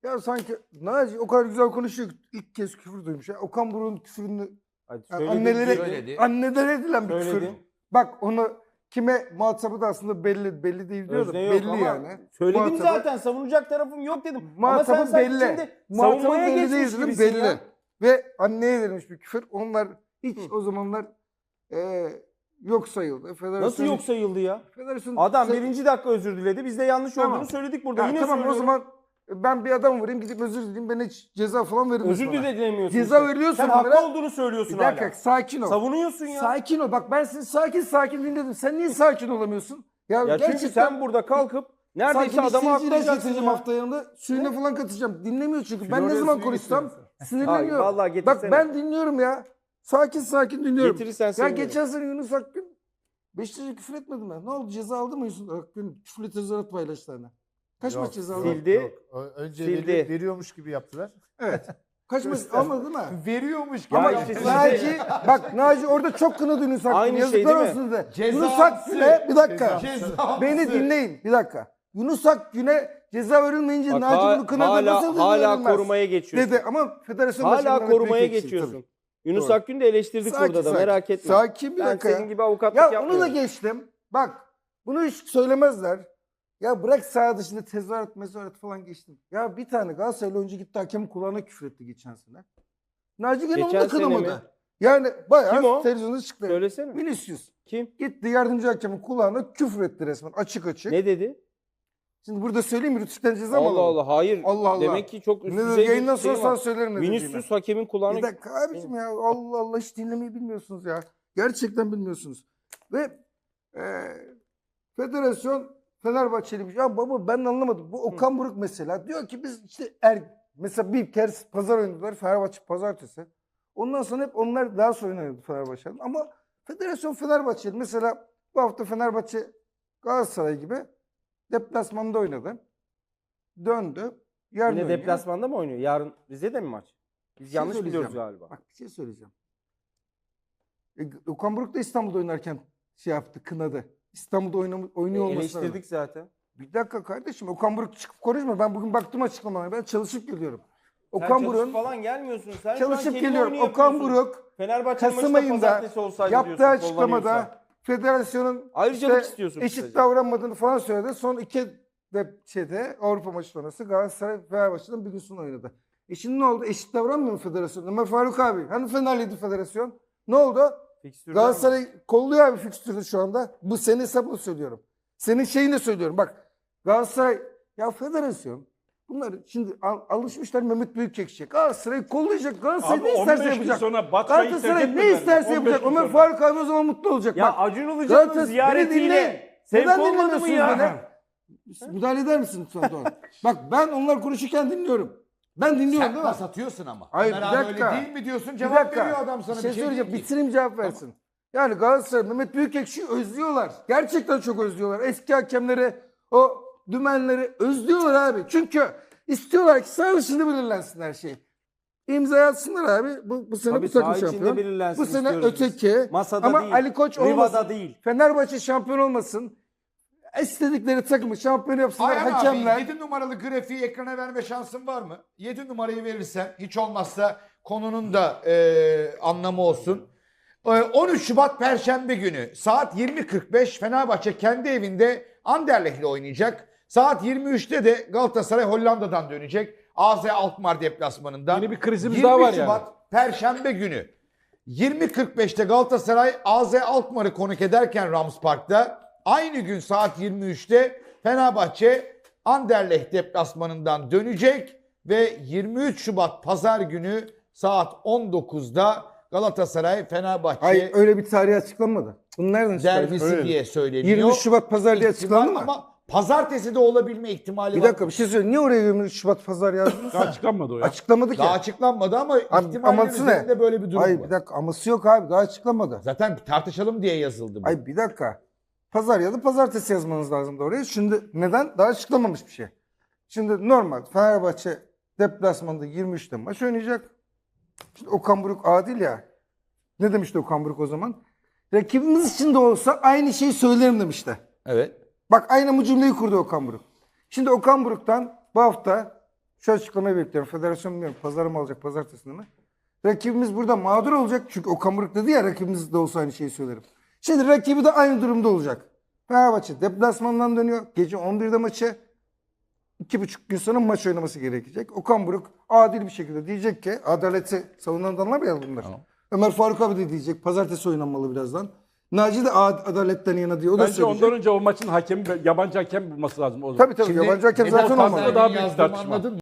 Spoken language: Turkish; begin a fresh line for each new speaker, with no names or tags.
Ya sanki Naci o kadar güzel konuşuyor ki ilk kez küfür duymuş. Ya. Okan Buruk'un küfürünü
Söyledi.
annelere edilen bir küfür.
Söyledi.
Bak onu kime muhatabı da aslında belli değil diyor da
Özne yok
belli
ama
yani.
söyledim
Muhatabı-
zaten, savunacak tarafım yok dedim. Ama sen
Muhatabı
sanki
belli.
şimdi
Muhatabı
savunmaya
belli
geçmiş
değil dedim,
gibisin
belli.
ya.
Ve anneye verilmiş bir küfür. Onlar hiç o zamanlar yok sayıldı. Federasyon
Nasıl yok sayıldı ya?
Federasyon
Adam
Sen-
birinci dakika özür diledi. Biz de yanlış
Tamam.
olduğunu söyledik burada.
Ya
Yine
tamam
söylüyorum.
o zaman ben bir adam vurayım gidip özür dileyim. Ben hiç ceza falan verilmez
özür
bana.
dilemiyorsun.
Ceza
işte.
veriliyorsa
Sen
bunlara-
haklı olduğunu söylüyorsun
Bir dakika
hala.
sakin ol.
Savunuyorsun ya.
Sakin ol. Bak ben seni sakin dinledim. Sen niye sakin olamıyorsun?
Ya
gerçekten
çünkü sen burada kalkıp neredeyse
sanki
adamı
bir sinciler
haklayacaksın
getireceğim
ya.
hafta yanında. Suyuna falan katacağım. Dinlemiyor çünkü. Ben ne
Florya
zaman
suyu
konuşsam
getiriyorsun.
sinirleniyor.
Ay, vallahi
Bak
getirsene.
ben dinliyorum ya. Sakin dinliyorum.
Getirirsen
Ya
sevinirim.
geçen sene Yunus Akgün Beşiktaş'a küfür etmedi mi? Ne oldu? Ceza aldı mı Yunus Akgün? Küfürlü tezahürat paylaştı hani. Kaç
Yok,
maç ceza
yok,
aldı?
Sildi.
yok. Önce
Sildi.
veriyormuş gibi yaptılar.
Evet. Kaç maç almadı değil mi?
Veriyormuş gibi.
Ya
Ama
işte
Naci, bak Naci orada çok kınadı Yunus Akgün.
Aynı şey
Yazıklar
değil mi?
olsun dedi.
Cezası.
Yunus Akgün'e bir dakika.
Cezası.
Beni dinleyin bir dakika. Yunus Akgün'e ceza verilmeyince
Bak,
Naci bunu kınadı. Nasıl ceza
hala
verilmez?
korumaya geçiyorsun.
Dedi ama federasyon
Hala
başkanı Mehmet
korumaya
Büyükekşi,
geçiyorsun.
tabii.
Yunus
Doğru.
Akgün'ü de eleştirdik burada da, merak etme.
Sakin bir
Ben
dakika.
senin gibi avukatlık
Ya onu
yapmıyorum.
da geçtim. Bak bunu hiç söylemezler. Ya bırak saha dışında tezahürat falan geçtim. Ya bir tane Galatasaraylı oyuncu gitti hakemin kulağına küfür etti geçen sene. Naci gene onu
Geçen
da
sene mi?
kınamadı. Yani
Kim o?
bayağı televizyonda çıktı.
Söylesene.
Vinicius.
Kim?
Gitti yardımcı hakemin kulağına küfür etti resmen açık.
Ne dedi?
Şimdi burada söyleyeyim mi? Rütük'ten ceza mı
Allah
alalım?
Allah, hayır.
Allah Allah.
Demek ki çok üst
Ne
düzey
dedi?
bir
Yayından
şey
sonra sana
var.
söylerim ne dediğimi.
Vinicius hakemin kulağına...
Bir dakika abicim ya. Allah Allah hiç dinlemeyi bilmiyorsunuz ya. Gerçekten bilmiyorsunuz. Ve federasyon Fenerbahçeliymiş. Ya baba ben anlamadım. Bu Okan Buruk mesela. Diyor ki biz işte mesela bir kere pazar oynadılar. Fenerbahçe pazartesi. Ondan sonra hep onlar daha sonra oynadı Fenerbahçe'nin. Ama federasyon Fenerbahçeli. Mesela bu hafta Fenerbahçe Galatasaray gibi deplasmanda oynadı. Döndü. Yarın
Yine
oynuyor.
deplasmanda mı oynuyor? Yarın Rize'de mi maç? Biz
şey
yanlış
söyleyeceğim.
biliyoruz galiba.
Bak bir şey söyleyeceğim. Okan Buruk da İstanbul'da oynarken şey yaptı, kınadı. İstanbul'da oynuyor olmasına
Eleştirdik
rağmen.
zaten.
Bir dakika kardeşim Okan Buruk çıkıp konuşma. Ben bugün baktım açıklamalara. Ben çalışıp geliyorum.
Sen
Okan
çalışıp
Buruk'un
falan gelmiyorsun. Sen şu an
çalışıp
kelime
geliyorum.
oyunu
Okan
yapıyorsun.
Buruk
Fenerbahçe'nin
Kasım
maçı da
ayında
pazartesi olsaydı
yaptığı
diyorsun,
açıklamada
kullanıyorsa.
federasyonun
Ayrıcalık istiyorsun
eşit
kısaca.
davranmadığını falan söyledi. Son iki Avrupa maçı sonrası Galatasaray Fenerbahçe'den bir gün sonra oynadı. Şimdi ne oldu? Eşit davranmıyor mu federasyon? Ömer Faruk abi. Hani Fenerliydi federasyon? Ne oldu?
Fikstürden mi?
Galatasaray kolluyor abi fikstürü şu anda. Bu senin hesabını söylüyorum. Senin şeyini söylüyorum. Bak Galatasaray ya federasyon bunlar şimdi alışmışlar Mehmet Büyükekşi'ye. Galatasaray kollayacak. Galatasaray
Abi
ne isterse
15 gün
yapacak.
sonra Batshuayi
Galatasaray
terk
ne
etmediler.
isterse
15
yapacak.
gün
Ömer
sonra.
Faruk abi o zaman mutlu olacak.
Ya
Bak,
Acun Ilıcalı'nın
Galatasaray-
ziyaretiyle
Neden
sevk olmadı mı
dinlemiyorsunuz
ya?
beni? Müdahale eder misin lütfen Doğan? Bak ben onlar konuşurken dinliyorum. Ben dinliyorum
Sen
değil mi?
pas atıyorsun ama.
Hayır,
Ömer
bir
abi
dakika.
öyle değil mi diyorsun?
Bir
Cevap
dakika.
veriyor adam sana.
Bir şey söyleyeceğim.
değil ki.
Bitireyim cevap versin. Yani Galatasaray Mehmet Büyükekşi'yi özlüyorlar. Gerçekten çok özlüyorlar. Eski hakemleri, o dümenleri özlüyorlar abi. Çünkü istiyorlar ki saha dışında belirlensin her şey. İmza atsınlar abi. Bu sene
Tabii
bu takım
saha içinde
şampiyon.
belirlensin
Bu sene
istiyoruz biz.
öteki.
Masada
Ama
değil.
Ali Koç
Riva'da
olmasın.
değil.
Fenerbahçe şampiyon olmasın. İstedikleri takımı şampiyon yapsınlar
Ayhan
hakemler.
abi 7 numaralı grafiği ekrana verme şansın var mı? 7 numarayı verirsen hiç olmazsa konunun da anlamı olsun. 13 Şubat Perşembe günü saat 20.45 Fenerbahçe kendi evinde Anderlecht'le oynayacak. Saat 23'te de Galatasaray Hollanda'dan dönecek. AZ Alkmaar deplasmanında.
Yeni bir krizimiz
20
daha var yani.
Şubat Perşembe günü 20.45'te Galatasaray AZ Alkmaar'ı konuk ederken Rams Park'ta aynı gün saat 23'te Fenerbahçe Anderlecht deplasmanından dönecek ve 23 Şubat Pazar günü saat 19'da Galatasaray Fenerbahçe
Hayır öyle bir tarih açıklanmadı. Bunu nereden çıkardın?
derbisi
Öyle.
diye söyleniyor.
23 Şubat pazar diye açıklandı mı?
Ama pazartesi de olabilme ihtimali
Bir
var.
dakika bir şey söyleyeyim. Niye oraya 23 Şubat pazar yazdınız?
Daha açıklanmadı o ya.
Açıklamadı ki.
Daha açıklanmadı ama
Abi,
ihtimallerin
aması ne?
üzerinde böyle bir durum
Hayır
var.
bir dakika aması yok abi daha açıklamadı.
Zaten tartışalım diye yazıldı bu.
Ay bir dakika. Pazar ya da pazartesi yazmanız lazımdı oraya. Şimdi neden? Daha açıklamamış bir şey. Şimdi normal Fenerbahçe deplasmanda 23'te maç oynayacak. Şimdi Okan Buruk adil ya. Ne demişti Okan Buruk o zaman? Rakibimiz için de olsa aynı şeyi söylerim demişti.
Evet.
Bak aynı bu cümleyi kurdu Okan Buruk. Şimdi Okan Buruk'tan bu hafta Şu açıklamayı bekliyorum. Federasyon bilmiyorum. Pazara mı alacak, pazartesinde mi? Rakibimiz burada mağdur olacak. Çünkü Okan Buruk dedi ya, rakibimiz de olsa aynı şeyi söylerim. Şimdi rakibi de aynı durumda olacak. Fenerbahçe deplasmandan dönüyor. Gece 11'de maçı. 2,5 gün sonra maç oynaması gerekecek. Okan Buruk adil bir şekilde diyecek ki, adaleti savunan adamlar ya bunlar.
Tamam.
Ömer Faruk abi de diyecek pazartesi oynanmalı birazdan. Naci de adaletten yana diyor. O da
Bence
söyleyecek.
ondan önce o maçın hakemi yabancı hakem bulması lazım o zaman.
Tabii
Şimdi
yabancı hakem
neden
zaten
fazla
olmalı.
Daha büyük
yazdığımı
tartışma.
anladın mı?